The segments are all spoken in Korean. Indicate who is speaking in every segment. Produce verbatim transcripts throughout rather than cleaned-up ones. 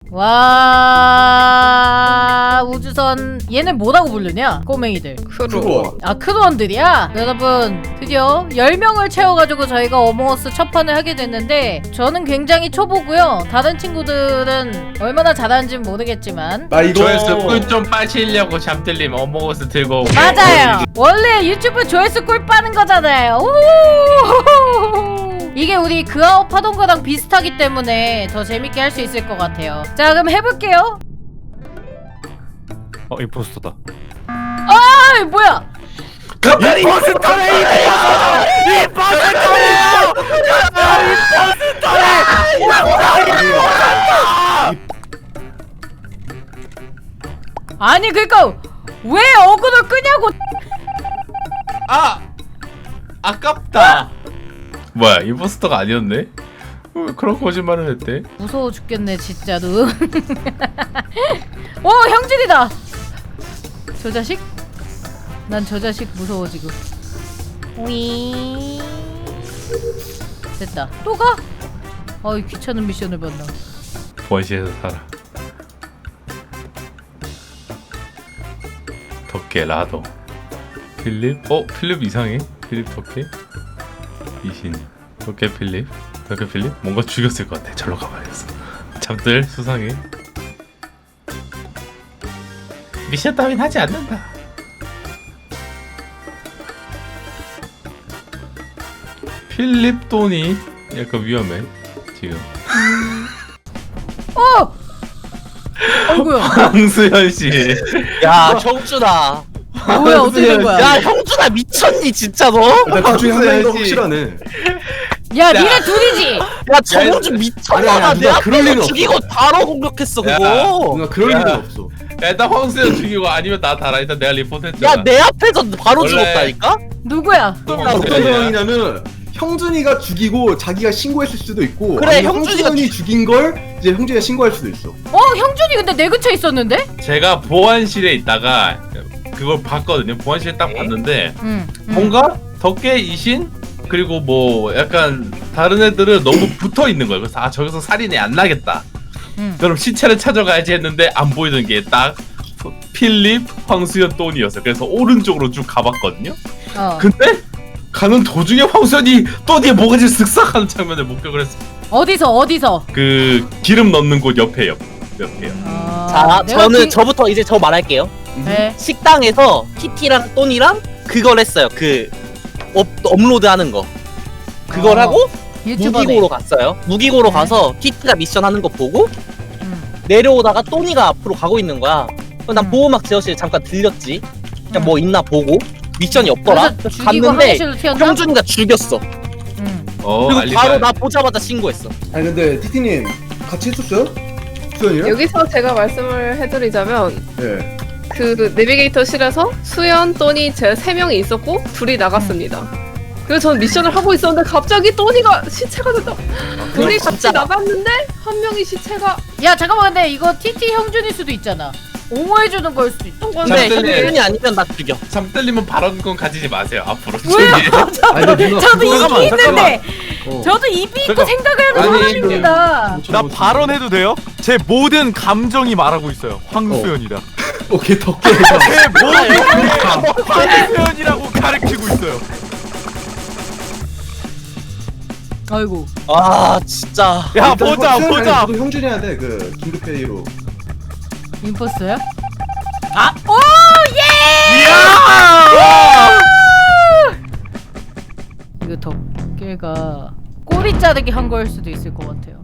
Speaker 1: 와 우주선 얘는 뭐라고 부르냐? 꼬맹이들
Speaker 2: 크루.
Speaker 1: 아 크루원들이야? 여러분 드디어 열 명을 채워가지고 저희가 어몽어스 첫 판을 하게 됐는데 저는 굉장히 초보고요. 다른 친구들은 얼마나 잘하는지는 모르겠지만
Speaker 2: 나 이거
Speaker 3: 조회수 꿀좀 빠시려고 잠들림 어몽어스 들고 오고.
Speaker 1: 맞아요. 원래 유튜브 조회수 꿀 빠는 거잖아요. 우 이게 우리 그아웃 하던 거랑 비슷하기 때문에 더 재밌게 할 수 있을 것 같아요. 자 그럼 해볼게요.
Speaker 4: 어 임포스터다.
Speaker 1: 아 뭐야?
Speaker 3: 갑자기
Speaker 4: 임포스터래 임포스터래 임포스터래요.
Speaker 1: 아니 그니까 왜 어그로 끄냐고.
Speaker 3: 아 아깝다. 뭐야 임포스터가 아니었네? 왜 그런 거짓말을 했대?
Speaker 1: 무서워 죽겠네 진짜로. 오 형진이다. 저 자식? 난 저 자식 무서워 지금. 위 됐다. 또 가? 어이 귀찮은 미션을 받나.
Speaker 3: 번시에서 살아. 덕계 라도 필립? 어? 필립 이상해? 필립 덕계? 이신 덕계 필립? 덕계 필립? 뭔가 죽였을 것 같아. 절로 가봐야겠어. 잠들 수상해. 미션 따윈 하지 않는다. 필립 돈이 약간 위험해 지금.
Speaker 1: 어! 어이구야.
Speaker 3: 황수현 씨.
Speaker 5: 야 형준아.
Speaker 1: 뭐야 어떻게 된 거야?
Speaker 5: 야 형준아 미쳤니 진짜 너?
Speaker 2: 일단 그 중에 한 명이 더
Speaker 3: 황수현 씨.
Speaker 2: 확실하네.
Speaker 1: 야 니네 둘이지?
Speaker 5: 야 정우준
Speaker 2: 아니,
Speaker 5: 미쳤나
Speaker 2: 아니,
Speaker 5: 봐.
Speaker 2: 누가
Speaker 5: 내
Speaker 2: 그럴 리는
Speaker 5: 앞에서
Speaker 2: 없어.
Speaker 5: 죽이고 바로 공격했어
Speaker 3: 야.
Speaker 5: 그거.
Speaker 2: 뭔가 그럴
Speaker 3: 야.
Speaker 2: 일은 없어.
Speaker 3: 일단 황수현 죽이고 아니면 나 달아. 일단 내가 리포트 했잖아.
Speaker 5: 야 내 앞에서 바로
Speaker 3: 원래-
Speaker 5: 죽었다니까?
Speaker 1: 누구야?
Speaker 2: 어떤 상황이냐면 형준이가 죽이고 자기가 신고했을 수도 있고
Speaker 5: 그래,
Speaker 2: 아니면
Speaker 5: 형준이가
Speaker 2: 형준이 죽인 걸 이제 형준이가 신고할 수도 있어.
Speaker 1: 어 형준이 근데 내 근처에 있었는데?
Speaker 3: 제가 보안실에 있다가 그걸 봤거든요. 보안실에 딱 봤는데
Speaker 1: 응. 응.
Speaker 3: 뭔가 덕계 이신 그리고 뭐 약간 다른 애들은 너무 붙어 있는 거예요. 그래서 아 저기서 살인이 안 나겠다.
Speaker 1: 응.
Speaker 3: 그럼 시체를 찾아가야지 했는데 안 보이는 게 딱 필립, 황수현, 돈이었어요. 그래서 오른쪽으로 쭉 가봤거든요.
Speaker 1: 어.
Speaker 3: 근데 가는 도중에 황수현이 또니에 뭐가지 쓱싹하는 장면을 목격을 했어.
Speaker 1: 어디서 어디서?
Speaker 3: 그 기름 넣는 곳 옆에 옆 옆에요.
Speaker 1: 아,
Speaker 5: 자
Speaker 1: 내가
Speaker 5: 저는
Speaker 1: 기-
Speaker 5: 저부터 이제 저 말할게요.
Speaker 1: 네.
Speaker 5: 식당에서 티티랑 또니랑 그걸 했어요. 그 업, 업로드하는 거. 그걸
Speaker 1: 어,
Speaker 5: 하고
Speaker 1: 유튜버네.
Speaker 5: 무기고로 갔어요. 무기고로
Speaker 1: 네.
Speaker 5: 가서 티티가 미션 하는 거 보고
Speaker 1: 응.
Speaker 5: 내려오다가 또니가 앞으로 가고 있는 거야. 그럼 난
Speaker 1: 음.
Speaker 5: 보호막 제어실 잠깐 들렸지. 그냥
Speaker 1: 음.
Speaker 5: 뭐 있나 보고 미션이 없더라.
Speaker 1: 그래서 죽이고
Speaker 5: 갔는데
Speaker 1: 화장실로 튀었나?
Speaker 5: 형준이가 죽였어.
Speaker 1: 응.
Speaker 3: 어,
Speaker 5: 그리고
Speaker 3: 알리바-
Speaker 5: 바로 나 보자마자 신고했어.
Speaker 2: 아니 근데 티티님 같이 했었어요? 수현이랑?
Speaker 6: 여기서 제가 말씀을 해드리자면
Speaker 2: 예.
Speaker 6: 그 내비게이터실에서 수연, 또니 제 세 명이 있었고 둘이 나갔습니다. 그래서 전 미션을 하고 있었는데 갑자기 또니가 시체가 됐다. 둘이 같이
Speaker 5: 진짜.
Speaker 6: 나갔는데 한 명이 시체가
Speaker 1: 야 잠깐만 근데 이거 티티 형준일 수도 있잖아. 옹호해주는 걸 수도 있어.
Speaker 5: 근데
Speaker 3: 잠들리.
Speaker 5: 형준이 아니면 나 죽여.
Speaker 3: 잠 떨리면 발언권 가지지 마세요 앞으로.
Speaker 1: 왜요?
Speaker 2: 아니 근데 누나
Speaker 1: 저도
Speaker 2: 그거-
Speaker 1: 입이 있는데
Speaker 2: 어.
Speaker 1: 저도 입이 있고
Speaker 4: 잠깐.
Speaker 1: 생각을 하는
Speaker 3: 아니,
Speaker 1: 사람입니다.
Speaker 4: 나 발언해도 돼요? 제 모든 감정이 말하고 있어요. 황수연이다.
Speaker 2: 오케이 덕계.
Speaker 4: 제 모든 감정이 황수연이라고 가르치고 있어요.
Speaker 1: 아이고.
Speaker 5: 아 진짜.
Speaker 4: 야 보자 보자.
Speaker 2: 저도 형준이한테 그 긴급회의로.
Speaker 1: 임포스터야? 아, 오 예!
Speaker 4: 이야!
Speaker 1: 이거 덕계가 꼬리 자르기 한 거일 수도 있을 것 같아요.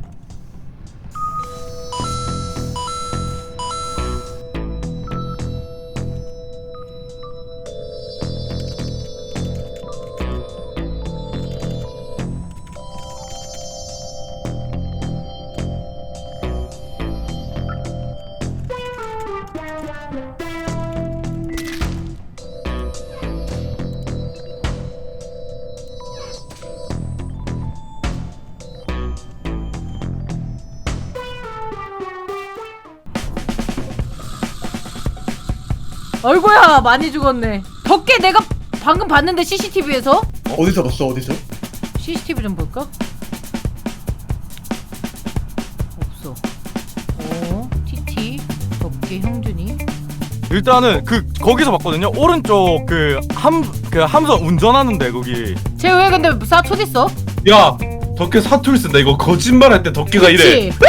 Speaker 1: 아이고야 많이 죽었네. 덕계 내가 방금 봤는데 씨씨티비에서
Speaker 2: 어디서 봤어 어디서?
Speaker 1: 씨씨티비 좀 볼까? 없어. 필립이 형준이.
Speaker 4: 일단은 그 거기서 봤거든요. 오른쪽 그 함 그 함선 운전하는데 거기.
Speaker 1: 쟤 왜 근데 사촌 있어?
Speaker 3: 야 덕계 사투리 쓴다. 이거 거짓말할 때 덕계가 이래.
Speaker 1: 그치?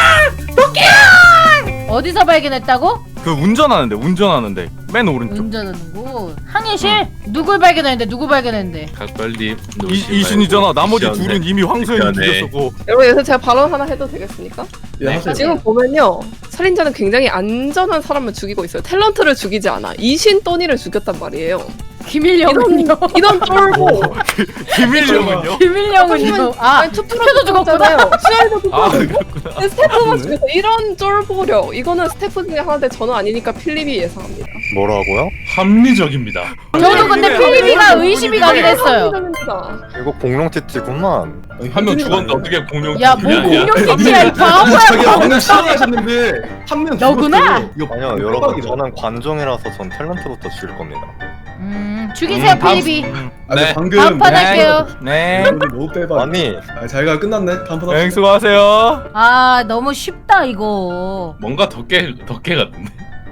Speaker 1: 어디서 발견했다고?
Speaker 4: 그 운전하는데 운전하는데 맨 오른쪽.
Speaker 1: 운전하는 곳. 항해실? 누굴 발견했는데 누구 발견했는데?
Speaker 3: 각별님
Speaker 4: 이, 이신이잖아. 나머지 둘은 이미 황소연이
Speaker 3: 미션에.
Speaker 4: 죽였었고.
Speaker 6: 여러분 여기서 제가 발언 하나 해도 되겠습니까?
Speaker 2: 예, 하세요.
Speaker 6: 지금 보면요 살인자는 굉장히 안전한 사람을 죽이고 있어요. 탤런트를 죽이지 않아. 이신 또니를 죽였단 말이에요.
Speaker 1: 김일영은요?
Speaker 6: 이런 쫄보.
Speaker 4: 김일령은요?
Speaker 1: 김일영은요? 아
Speaker 6: 아니,
Speaker 1: 투표도 죽었구나.
Speaker 6: 수혈도
Speaker 4: 아
Speaker 6: 죽었고
Speaker 4: 그렇구나.
Speaker 6: 스태프가 죽였어. 이런 쫄보력. 이거는 스태프 중에 하나인데 저는 아니니까 필립이 예상합니다.
Speaker 7: 뭐라고요?
Speaker 3: 합리적입니다.
Speaker 1: 저도 근데 필립이가 의심이 가긴 했어요.
Speaker 6: 합리적입니다.
Speaker 7: 이거 공룡 티티구만.
Speaker 3: 한 명 죽었는데 어떻게 공룡?
Speaker 1: 야, 뭐 공룡 티티야 이 바보야.
Speaker 2: 자기가 방금 시작하셨는데 한 명
Speaker 1: 너구나?
Speaker 2: 이거
Speaker 7: 아니요
Speaker 2: 이거
Speaker 7: 여러분
Speaker 2: 빡빡이다.
Speaker 7: 저는 관종이라서 전 탤런트부터 죽일 겁니다.
Speaker 1: 음 죽이세요
Speaker 4: 음, 다음-
Speaker 1: 필립이.
Speaker 4: 음.
Speaker 2: 아,
Speaker 3: 네.
Speaker 2: 방금
Speaker 1: 다음 판 할게요.
Speaker 4: 네.
Speaker 2: 너무 빼봐.
Speaker 7: 아니
Speaker 2: 아, 자기가 끝났네. 다음 판
Speaker 4: 네,
Speaker 2: 합시다.
Speaker 4: 수고하세요.
Speaker 1: 아 너무 쉽다 이거.
Speaker 3: 뭔가 덕계 덕계 같은데.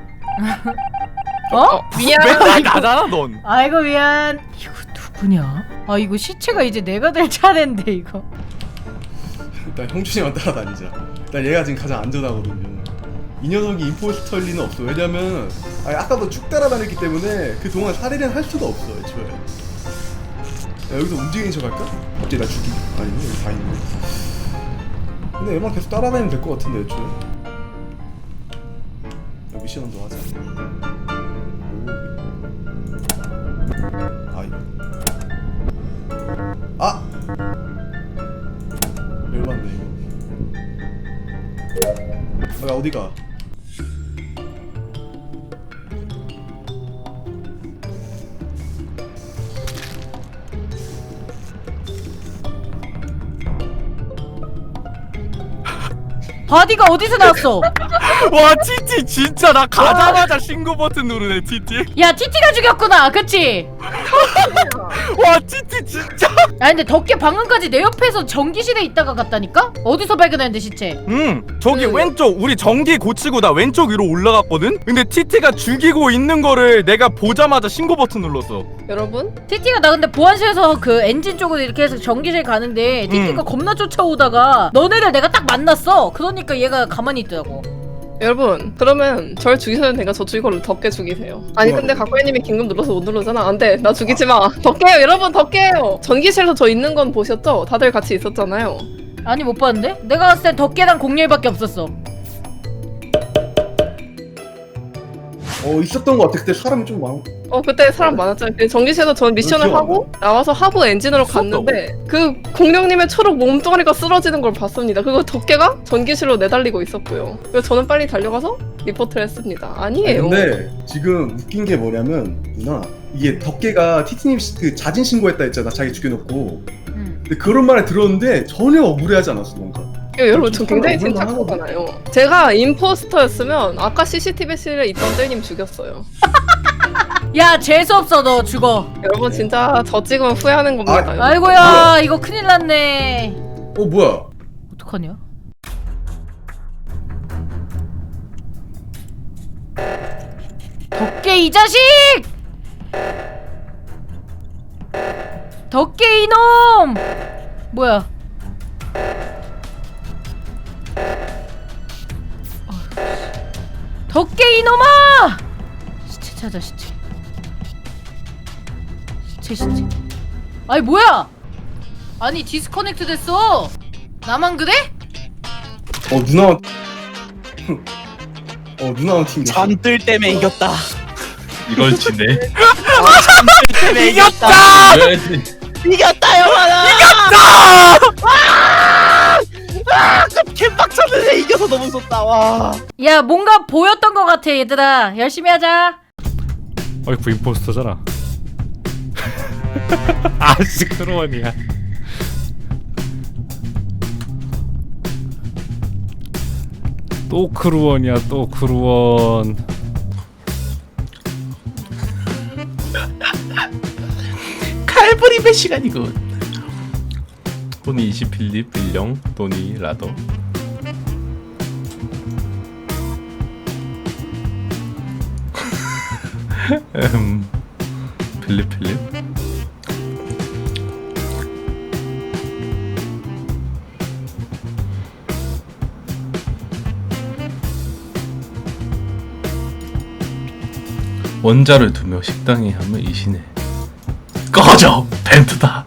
Speaker 1: 어?
Speaker 6: 미안.
Speaker 4: 맨날 나잖아 넌.
Speaker 1: 아이고 미안. 이거 누구냐? 아 이거 시체가 이제 내가 될 차례인데 이거.
Speaker 2: 일단 형준이만 따라다니자. 일단 얘가 지금 가장 안전하거든요. 이 녀석이 임포스터일 리는 없어. 왜냐면 아니, 아까도 쭉 따라다녔기 때문에 그 동안 살인을 할 수가 없어 애초에. 야, 여기서 움직이는 척 할까? 갑자기 나 죽기? 아니네 여기 다 있네. 근데 얘만 계속 따라다니면 될 것 같은데 애초에. 야, 미션 한번 하자. 오. 아이. 아! 열받네 이거. 아, 어디가?
Speaker 1: 바디가 어디서 나왔어?
Speaker 4: 와 티티 진짜 나 가자마자 신고 버튼 누르네 티티.
Speaker 1: 야 티티가 죽였구나 그치?
Speaker 4: 와 티티 진짜.
Speaker 1: 아 근데 덕계 방금까지 내 옆에서 전기실에 있다가 갔다니까? 어디서 발견했는데 시체?
Speaker 4: 음 저기
Speaker 6: 그-
Speaker 4: 왼쪽 우리 전기 고치고 나 왼쪽 위로 올라갔거든. 근데 티티가 죽이고 있는 거를 내가 보자마자 신고 버튼 눌렀어.
Speaker 6: 여러분
Speaker 1: 티티가 나 근데 보안실에서 그 엔진 쪽으로 이렇게 해서 전기실 가는데 티티가
Speaker 4: 음.
Speaker 1: 겁나 쫓아오다가 너네를 내가 딱 만났어. 그러니까 얘가 가만히 있더라고.
Speaker 6: 여러분 그러면 절 죽이셔도 되니까 저 죽이고 덕계 죽이세요. 아니 근데 각고님이 긴급 눌러서 못 누르잖아. 안돼 나 죽이지 마. 덕계요 여러분 덕계요. 전기실에서 저 있는 건 보셨죠? 다들 같이 있었잖아요.
Speaker 1: 아니 못 봤는데? 내가 봤을 땐 덕계랑 공룡이밖에 없었어.
Speaker 2: 어 있었던 것 같아. 그때 사람이 좀 많.
Speaker 6: 어 그때 사람 많았잖아요. 그 전기실에서 전 미션을
Speaker 2: 기억 안
Speaker 6: 하고 나와서 하부 엔진으로
Speaker 4: 무섭다고?
Speaker 6: 갔는데 그 공룡님의 초록 몸뚱아리가 쓰러지는 걸 봤습니다. 그거 덕계가 전기실로 내달리고 있었고요. 그래서 저는 빨리 달려가서 리포트를 했습니다.
Speaker 2: 아니,
Speaker 6: 아니에요.
Speaker 2: 근데 지금 웃긴 게 뭐냐면 누나 이게 덕계가 티티님 시- 그 자진 신고했다 했잖아. 자기 죽여놓고.
Speaker 1: 응.
Speaker 2: 근데 그런 말을 들었는데 전혀 억울해하지 않았어 뭔가.
Speaker 6: 이거 여러분 저 굉장히
Speaker 2: 좀
Speaker 6: 침착하잖아요. 제가 임포스터였으면 아까 씨씨티비실에 있던 뜰님 죽였어요.
Speaker 1: 야 재수없어 너 죽어.
Speaker 6: 여러분 진짜 저 찍으면 후회하는 겁니다. 여러분.
Speaker 1: 아이고야 이거 큰일 났네.
Speaker 2: 어 뭐야?
Speaker 1: 어떡하냐? 덕계 이 자식! 덕계 이놈! 뭐야? 덕계 이놈아! 시체 찾아 시체. 시체 시체. 아니 뭐야? 아니 디스커넥트 됐어. 나만 그래?
Speaker 2: 어 누나. 어 누나랑 팀.
Speaker 5: 잠들 때문에 이겼다.
Speaker 3: 이걸 지네.
Speaker 5: 때문에 이겼다.
Speaker 3: 왜?
Speaker 5: 이겼다 영환아. 이겼다. 아, 개빡쳤는데 이겨서 너무 좋다. 와.
Speaker 1: 야 뭔가 보였던 것 같아 얘들아. 열심히 하자.
Speaker 8: 어이구 임포스터잖아. 아씨 크로원이야. 또 크루원이야 또 크루원.
Speaker 3: 칼부림의 시간이군. 토니 이시 필립 일령 토니 라더. 음, 필립 필립. 원자를 두며 식당에 하면 이시네. 꺼져! 벤트다.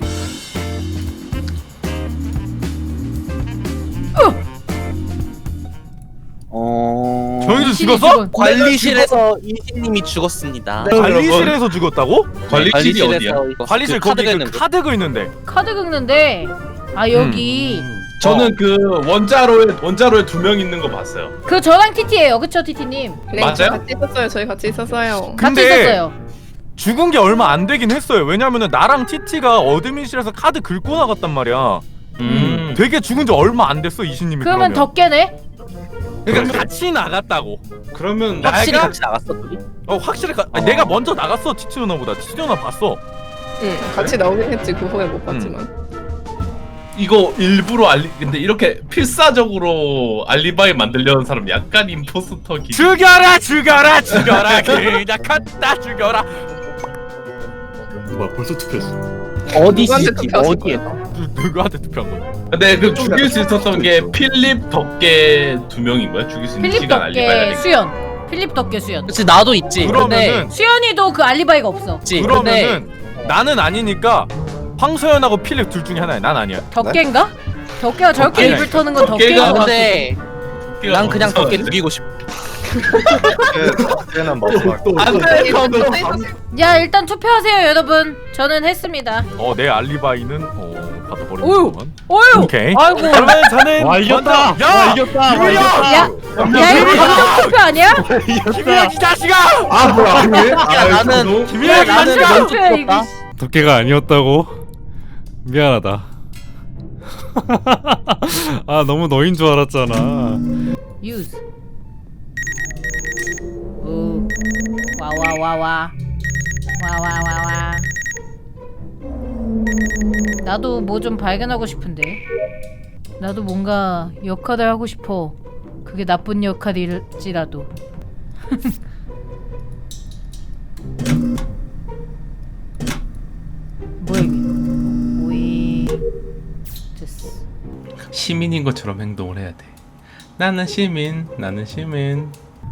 Speaker 5: 어...
Speaker 4: 정희도
Speaker 1: 이신이
Speaker 4: 죽었어?
Speaker 1: 죽은-
Speaker 5: 관리실에서 이신님이 죽었습니다.
Speaker 4: 관리실에서 죽었다고?
Speaker 3: 관리실이 어디야?
Speaker 5: 이거
Speaker 4: 관리실
Speaker 5: 그
Speaker 4: 거기
Speaker 5: 카드가
Speaker 4: 그
Speaker 5: 있는 거.
Speaker 4: 카드 그 있는데.
Speaker 1: 카드 긁는데 아 여기
Speaker 3: 저는 그 원자로에 원자로에 두 명 있는 거 봤어요.
Speaker 1: 그 저랑 티티예요, 그쵸 티티님?
Speaker 6: 네,
Speaker 3: 맞아요?
Speaker 6: 저희 같이 있었어요. 저희 같이 있었어요.
Speaker 1: 같이
Speaker 4: 근데
Speaker 1: 있었어요.
Speaker 4: 죽은 게 얼마 안 되긴 했어요. 왜냐면은 나랑 티티가 어드민실에서 카드 긁고 나갔단 말이야.
Speaker 3: 음.
Speaker 4: 되게 죽은 지 얼마 안 됐어 이신님이.
Speaker 1: 그러면 덕계네?
Speaker 4: 그러니까 같이 나갔다고.
Speaker 3: 그러면
Speaker 5: 확실히
Speaker 4: 내가-
Speaker 5: 같이 나갔어 둘이?
Speaker 4: 어 확실히 가, 아니, 내가 먼저 나갔어 티티 누나보다. 티티 누나 봤어.
Speaker 6: 응, 같이 나오긴 했지. 그 후에 못 봤지만.
Speaker 3: 이거 일부러 알리 근데 이렇게 필사적으로 알리바이 만들려는 사람 약간 임포스터 기.
Speaker 4: 죽여라 죽여라 죽여라 그냥 갖다 죽여라.
Speaker 2: 뭐야 벌써 투표했어.
Speaker 5: 어디
Speaker 6: 누구한테
Speaker 5: 시티
Speaker 6: 투표하실
Speaker 5: 어디에?
Speaker 4: 누, 누구한테 투표한 거야?
Speaker 3: 근데 그 죽일 수 있었던 게 필립 덕계 두 명인 거야? 죽일 수 있는
Speaker 1: 필립
Speaker 3: 시간 알리바이
Speaker 1: 덕계
Speaker 3: 하니까.
Speaker 1: 수연. 필립 덕계 수연.
Speaker 5: 그치 나도 있지. 근데
Speaker 4: 그러면은
Speaker 1: 수연이도 그 알리바이가 없어.
Speaker 5: 있지. 근데
Speaker 4: 그러면은 나는 아니니까 황소연하고 필립 둘 중에 하나야. 난 아니야.
Speaker 1: 덕계인가? 덕계가 저렇게
Speaker 3: 덕계.
Speaker 1: 입을 터는 건
Speaker 3: 덕계가
Speaker 1: 덕계인 것
Speaker 5: 아,
Speaker 1: 같아.
Speaker 5: 근데 난 그냥 덕계
Speaker 3: 덕계
Speaker 5: 죽이고 싶어.
Speaker 7: 걔는 마지막.
Speaker 6: 안돼,
Speaker 1: 야 일단 투표하세요 여러분. 저는 했습니다.
Speaker 4: 어 내 알리바이는 어
Speaker 1: 오유.
Speaker 4: 받아버리는구만.
Speaker 1: 어휴.
Speaker 4: 오케이.
Speaker 1: 아이고.
Speaker 4: 그러면 저는
Speaker 8: 와 이겼다.
Speaker 4: 먼저-
Speaker 8: 와
Speaker 4: 야!
Speaker 8: 이겼다. 와
Speaker 4: 김유야!
Speaker 8: 이겼다.
Speaker 1: 야, 야 이거 감정 투표 아니야?
Speaker 4: 김유야 이 자식아!
Speaker 2: 아 뭐야 왜?
Speaker 5: 야,
Speaker 2: 아,
Speaker 5: 나는-
Speaker 2: 너무-
Speaker 4: 김유야 이
Speaker 1: 감정
Speaker 4: 자식아!
Speaker 1: 투표야 이거.
Speaker 8: 덕계가 아니었다고. 미안하다. 아 너무 너인 줄 알았잖아.
Speaker 1: 유즈. 오. 와와와와. 와와와와. 나도 뭐 좀 발견하고 싶은데. 나도 뭔가 역할을 하고 싶어. 그게 나쁜 역할일지라도. 뭐야 이게? 오이. 됐어.
Speaker 3: 시민인 것처럼 행동을 해야 돼. 나는 시민, 나는 시민.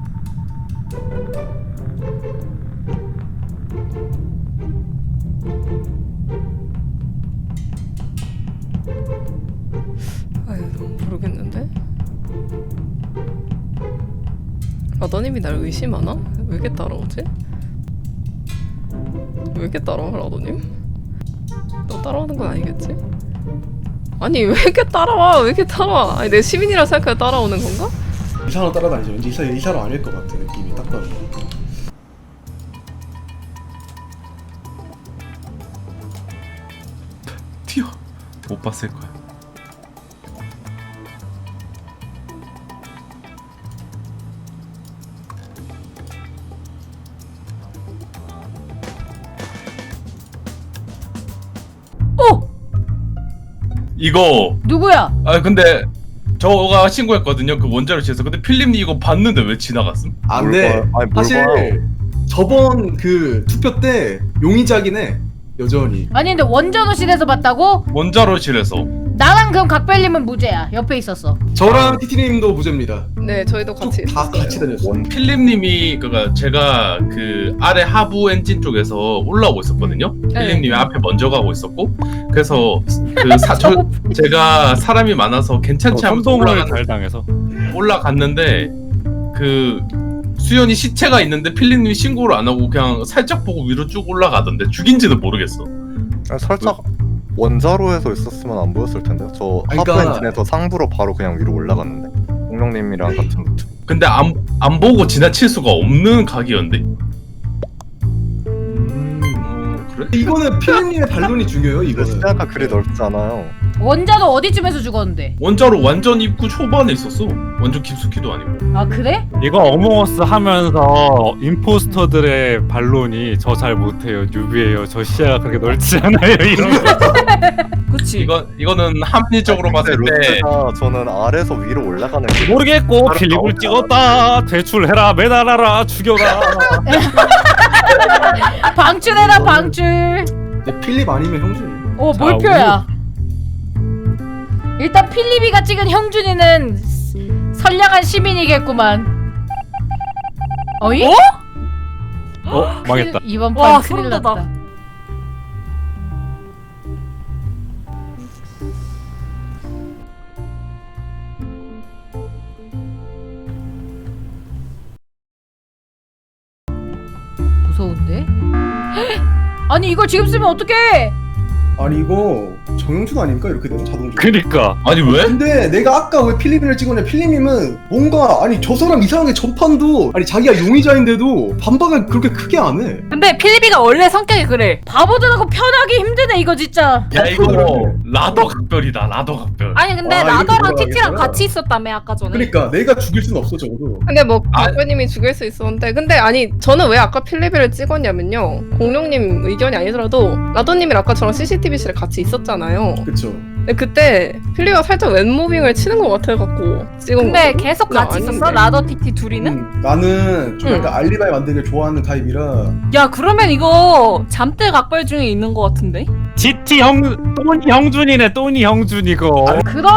Speaker 6: 아유, 모르겠는데. 라더님이 날 의심하나? 왜 이렇게 따라오지? 왜 이렇게 따라와, 라더님? 너 따라오는 건 아니겠지? 아니 왜 이렇게 따라와? 왜 이렇게 따라와? 아니 내 시민이라 생각해 따라오는 건가?
Speaker 2: 이 사람 따라다니죠. 왠지 이 사람 이 사람 아닐 것 같은 느낌이 딱 봐도.
Speaker 3: 튀어. 못 봤을 거야.
Speaker 1: 오!
Speaker 3: 이거
Speaker 1: 누구야?
Speaker 3: 아 근데 저가 신고했거든요. 그 원자로실에서. 근데 필립님 이거 봤는데 왜 지나갔음?
Speaker 2: 안
Speaker 7: 뭘
Speaker 2: 돼.
Speaker 7: 봐요? 아니, 뭘
Speaker 2: 사실
Speaker 7: 봐요?
Speaker 2: 저번 그 투표 때 용의자긴 해. 여전히.
Speaker 1: 아니 근데 원전호실에서 봤다고?
Speaker 3: 원자로실에서.
Speaker 1: 나랑 그럼 각별님은 무죄야. 옆에 있었어.
Speaker 2: 저랑 티티님도 무죄입니다.
Speaker 6: 네 저희도 같이
Speaker 2: 쭉 다
Speaker 6: 있었어요.
Speaker 2: 같이 다녔어.
Speaker 7: 원
Speaker 3: 필립님이 그니까 제가 그 아래 하부 엔진 쪽에서 올라오고 있었거든요. 필립님이 앞에 먼저 가고 있었고, 그래서 그 사, 저, 제가 사람이 많아서 괜찮지 하면서
Speaker 8: 선동을
Speaker 3: 올라갔,
Speaker 8: 잘 당해서.
Speaker 3: 올라갔는데 그 수연이 시체가 있는데 필립님이 신고를 안 하고 그냥 살짝 보고 위로 쭉 올라가던데 죽인지는 모르겠어.
Speaker 7: 아니, 살짝 원자로에서 있었으면 안 보였을 텐데. 저
Speaker 2: 아니,
Speaker 7: 하부
Speaker 2: 그러니까-
Speaker 7: 엔진에서 상부로 바로 그냥 위로 올라갔는데. 공룡님이랑 같은 루트.
Speaker 3: 근데 안, 안 보고 지나칠 수가 없는 각이었는데. 음, 그래?
Speaker 2: 이거는 피디님의 반론이 중요해요.
Speaker 7: 근데
Speaker 2: 이거는.
Speaker 7: 시야가 그리 넓지 않아요.
Speaker 1: 원자도 어디쯤에서 죽었는데?
Speaker 3: 원자로 완전 입구 초반에 있었어. 완전 깊숙이도 아니고.
Speaker 1: 아 그래?
Speaker 8: 이거 어몽어스 하면서 임포스터들의 반론이 저 잘 못해요. 뉴비예요. 저 시야가 그렇게 넓지 않아요. 이런 거.
Speaker 1: 그치.
Speaker 3: 이거 이거는 합리적으로
Speaker 7: 근데
Speaker 3: 봤을 때
Speaker 7: 루트가 저는 아래에서 위로 올라가는 게
Speaker 8: 모르겠고
Speaker 7: 바로
Speaker 8: 필립을
Speaker 7: 나오지
Speaker 8: 찍었다. 대출해라, 매달아라, 죽여라.
Speaker 1: 방출해라 방출.
Speaker 2: 내 필립 아니면 형준이.
Speaker 1: 어
Speaker 8: 자,
Speaker 1: 몰표야. 일단 필리비가 찍은 형준이는 선량한 시민이겠구만. 어이?
Speaker 8: 어? 망했다.
Speaker 1: 이번
Speaker 9: 와,
Speaker 1: 판 큰일
Speaker 9: 소름 돋아.
Speaker 1: 났다. 무서운데? 아니 이걸 지금 쓰면 어떡해?
Speaker 2: 아니 이거 정영준 아닙니까 이렇게 되면 자동적으로.
Speaker 8: 그니까.
Speaker 3: 아니 왜?
Speaker 2: 근데 내가 아까 왜 필리핀을 찍었냐, 필리님은 뭔가 아니 저 사람 이상하게 전판도 아니 자기가 용의자인데도 반박을 그렇게 크게 안 해.
Speaker 9: 근데 필리비가 원래 성격이 그래.
Speaker 1: 바보들하고 편하기 힘드네 이거 진짜.
Speaker 3: 야 이거 라더 각별이다. 라더 각별.
Speaker 9: 아니 근데
Speaker 2: 와, 이거
Speaker 9: 라더랑
Speaker 2: 들어가겠구나.
Speaker 9: 티티랑 같이 있었다며 아까 전에.
Speaker 2: 그러니까 내가 죽일 수는 없어 적어도.
Speaker 6: 근데 뭐
Speaker 3: 아.
Speaker 6: 각별님이 죽일 수 있었는데 근데 아니 저는 왜 아까 필리비를 찍었냐면요. 공룡님 의견이 아니더라도 라더님이랑 아까 저랑 씨씨티비실에 같이 있었잖아요.
Speaker 2: 그쵸.
Speaker 6: 근데 그때 필리가 살짝 왼무빙을 치는 것 같아갖고 찍은
Speaker 9: 근데
Speaker 6: 거거든?
Speaker 9: 계속
Speaker 6: 나
Speaker 9: 같이 있었어?
Speaker 6: 아닌데.
Speaker 9: 라더 티티 둘이는?
Speaker 2: 음, 나는 좀
Speaker 6: 응.
Speaker 2: 약간 알리바이 만들기를 좋아하는 타입이라.
Speaker 9: 야 그러면 이거 잠들 각별 중에 있는 것 같은데?
Speaker 8: 지티 형, 또니 형준이네. 또니 형준 이거.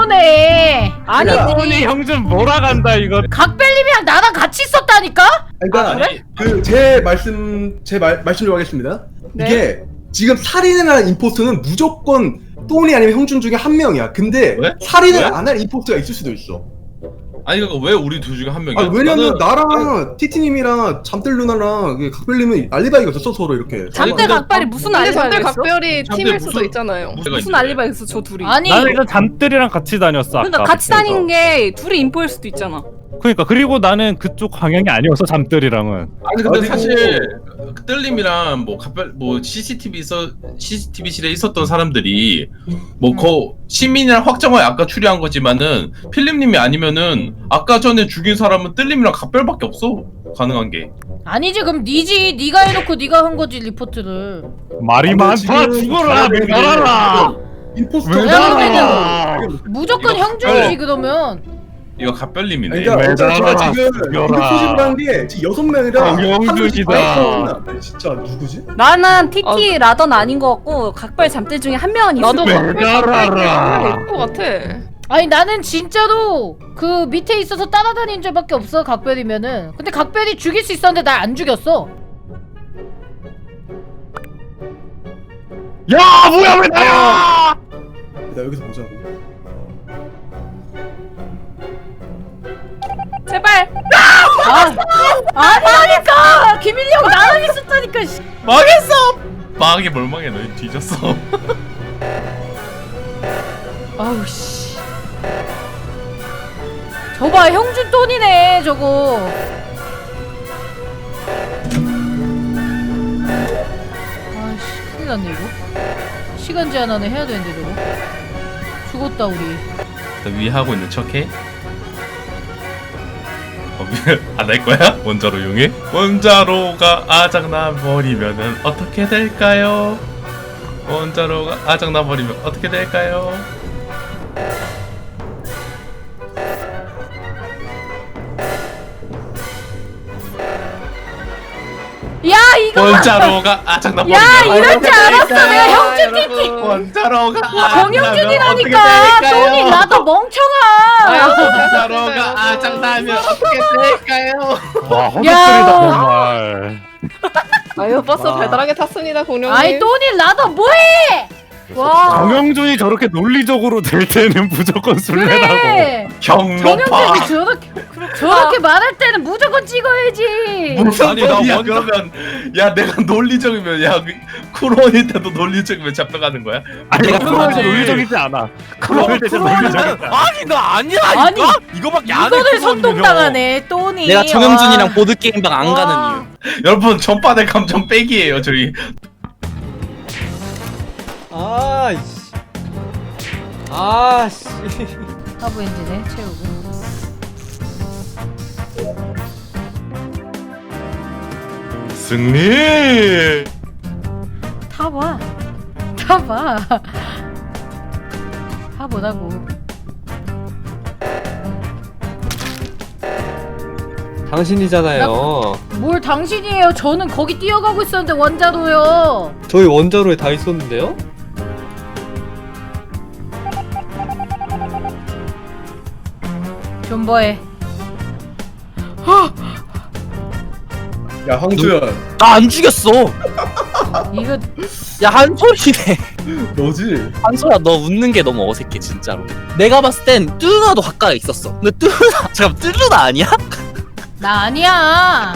Speaker 1: 그러네.
Speaker 9: 아니
Speaker 2: 야.
Speaker 8: 또니 형준 몰아간다 이거.
Speaker 1: 각별님이랑 나랑 같이 있었다니까?
Speaker 2: 그러니까
Speaker 3: 아, 그래?
Speaker 2: 그 제 말씀 제 말 말씀 좀 하겠습니다.
Speaker 6: 네.
Speaker 2: 이게 지금 살인을 임포스터는 무조건 또니 아니면 형준 중에 한 명이야. 근데
Speaker 3: 왜?
Speaker 2: 살인을
Speaker 3: 왜?
Speaker 2: 안 할 임포스터가 있을 수도 있어.
Speaker 3: 아니 그러니까 왜 우리 둘 중에 한 명이야?
Speaker 2: 아, 왜냐면
Speaker 3: 나는-
Speaker 2: 나랑 티티님이랑 잠들 누나랑 그 각별님은 알리바이가 있었어 서로 이렇게.
Speaker 9: 잠들
Speaker 3: 근데-
Speaker 9: 각별이 무슨
Speaker 6: 근데
Speaker 9: 알리바이가
Speaker 6: 잠들
Speaker 9: 있어?
Speaker 6: 각별이
Speaker 3: 잠들
Speaker 6: 팀일
Speaker 3: 무슨-
Speaker 6: 수도 있잖아요.
Speaker 3: 무슨
Speaker 9: 무슨 알리바이가 있어 저 둘이?
Speaker 1: 아니
Speaker 8: 나는 일단 잠들이랑 같이 다녔어.
Speaker 9: 그러니까
Speaker 8: 아까.
Speaker 9: 같이 다닌 게 둘이 인포일 수도 있잖아.
Speaker 8: 그러니까 그리고 나는 그쪽 방향이 아니었어 잠들이랑은.
Speaker 3: 아니 근데
Speaker 2: 어디고-
Speaker 3: 사실 그 뜰림이랑 뭐 각별 뭐 씨씨티비 있어 씨씨티비실에 있었던 사람들이 뭐 거 시민이랑 확정하에 아까 추리한 거지만은 필립님이 아니면은 아까 전에 죽인 사람은 뜰림이랑 각별밖에 없어 가능한 게.
Speaker 1: 아니지 그럼 니지 니가 해놓고 니가 한 거지 리포트를.
Speaker 8: 말이
Speaker 2: 아,
Speaker 8: 많다.
Speaker 2: 지금
Speaker 8: 죽어라.
Speaker 2: 사람들이-
Speaker 8: 매달아라.
Speaker 2: 임포스터.
Speaker 1: 왜냐면은 무조건
Speaker 3: 이거
Speaker 1: 형준이지
Speaker 3: 각별.
Speaker 1: 그러면.
Speaker 3: 이거 각별님이네.
Speaker 2: 그러니까 어차피 제가
Speaker 8: 매달아라,
Speaker 2: 지금
Speaker 8: 죽여라.
Speaker 2: 이거 소집을 한 게 지금 여섯 명이라
Speaker 8: 정영준이다.
Speaker 2: 한 진짜 누구지?
Speaker 9: 나는 티티 라더는 아닌 것 같고 각별 잠들 중에 한 명은 있을
Speaker 6: 나도
Speaker 9: 거야.
Speaker 6: 각별 있을 것 같아.
Speaker 1: 아니 나는 진짜로 그 밑에 있어서 따라다닌 줄밖에 없어 각별이면은. 근데 각별이 죽일 수 있었는데 날 안 죽였어.
Speaker 8: 야 뭐야 왜 나야?
Speaker 2: 나 여기서 보자고.
Speaker 9: 제발.
Speaker 1: 아 아니라니까 김일리 형 나랑 있었다니까. 씨.
Speaker 3: 망했어. 망하게 뭘 망해 너 뒤졌어.
Speaker 1: 아우 씨. 저봐 형준 돈이네 저거. 아씨 큰일 났네 이거. 시간 제한 안에 해야 되는데 저거. 죽었다 우리.
Speaker 3: 나 위에 하고 있는 척해? 어, 안할 거야? 원자로 이용해? 원자로가 아작나 버리면은 어떻게 될까요? 원자로가 아작나 버리면 어떻게 될까요?
Speaker 1: 야 이거
Speaker 3: 원자로가 아작나 버리면
Speaker 1: 야 이럴 줄
Speaker 3: 어떻게
Speaker 1: 알았어 내가
Speaker 3: 될까요?
Speaker 1: 형준 티티.
Speaker 3: 원자로가
Speaker 1: 정영준이라니까 돈이 나도 멍청아.
Speaker 3: 원자로가 아작나면 어떻게 될까요?
Speaker 8: 와
Speaker 1: 야.
Speaker 8: 허접들이다 정말.
Speaker 6: 아유 버스 달달하게 탔습니다 공룡님.
Speaker 1: 아이 돈이 나도 뭐해? 와
Speaker 8: 정영준이 저렇게 논리적으로 될 때는 무조건 술래라고.
Speaker 1: 그래.
Speaker 3: 경로파
Speaker 1: 정영준이 저렇게 저렇게 말할 때는 무조건 찍어야지.
Speaker 3: 무슨
Speaker 8: 아니, 나
Speaker 3: 소리야
Speaker 8: 원자-
Speaker 3: 그러면 야 내가 논리적이면 야 쿠로일 때도 논리적이면 잡혀가는 거야?
Speaker 8: 아니
Speaker 5: 내가
Speaker 8: 크로일 때
Speaker 5: 그거지.
Speaker 8: 논리적이지 않아. 크로일 때 논리적이지 않아.
Speaker 4: 아니 나 아니야
Speaker 1: 아니,
Speaker 4: 이거? 이거밖에 안 해.
Speaker 1: 이거를
Speaker 4: 그거는요.
Speaker 1: 선동당하네 돈이.
Speaker 5: 내가 정영준이랑
Speaker 1: 와.
Speaker 5: 보드 게임방 안
Speaker 1: 와.
Speaker 5: 가는 이유.
Speaker 3: 여러분 전반의 감정 빼기예요 저희.
Speaker 10: 아이씨. 아씨.
Speaker 1: 하부 엔진에 채우고.
Speaker 3: 승리.
Speaker 1: 타봐. 타봐. 타보라고.
Speaker 10: 당신이잖아요.
Speaker 1: 뭘 당신이에요? 저는 거기 뛰어가고 있었는데 원자로요.
Speaker 10: 저희 원자로에 다 있었는데요?
Speaker 1: 존버해.
Speaker 2: 야 황주연
Speaker 5: 나 안 죽였어.
Speaker 1: 이거
Speaker 5: 야 한솔이네.
Speaker 2: 너지?
Speaker 5: 한솔아 너 웃는 게 너무 어색해 진짜로. 내가 봤을 땐 뚜루나도 가까이 있었어. 근데 뚜루나 잠깐 뚜루나 아니야?
Speaker 1: 나 아니야.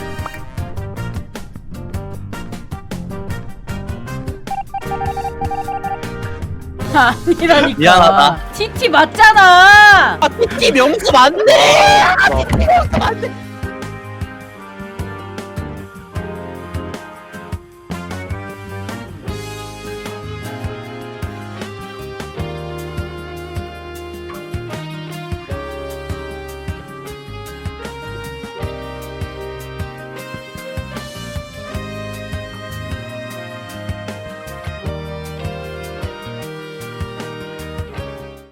Speaker 1: 아니라니까.
Speaker 5: 미안하다.
Speaker 1: 티티 맞잖아.
Speaker 5: 아 티티 명수 맞네. 아 티티 명수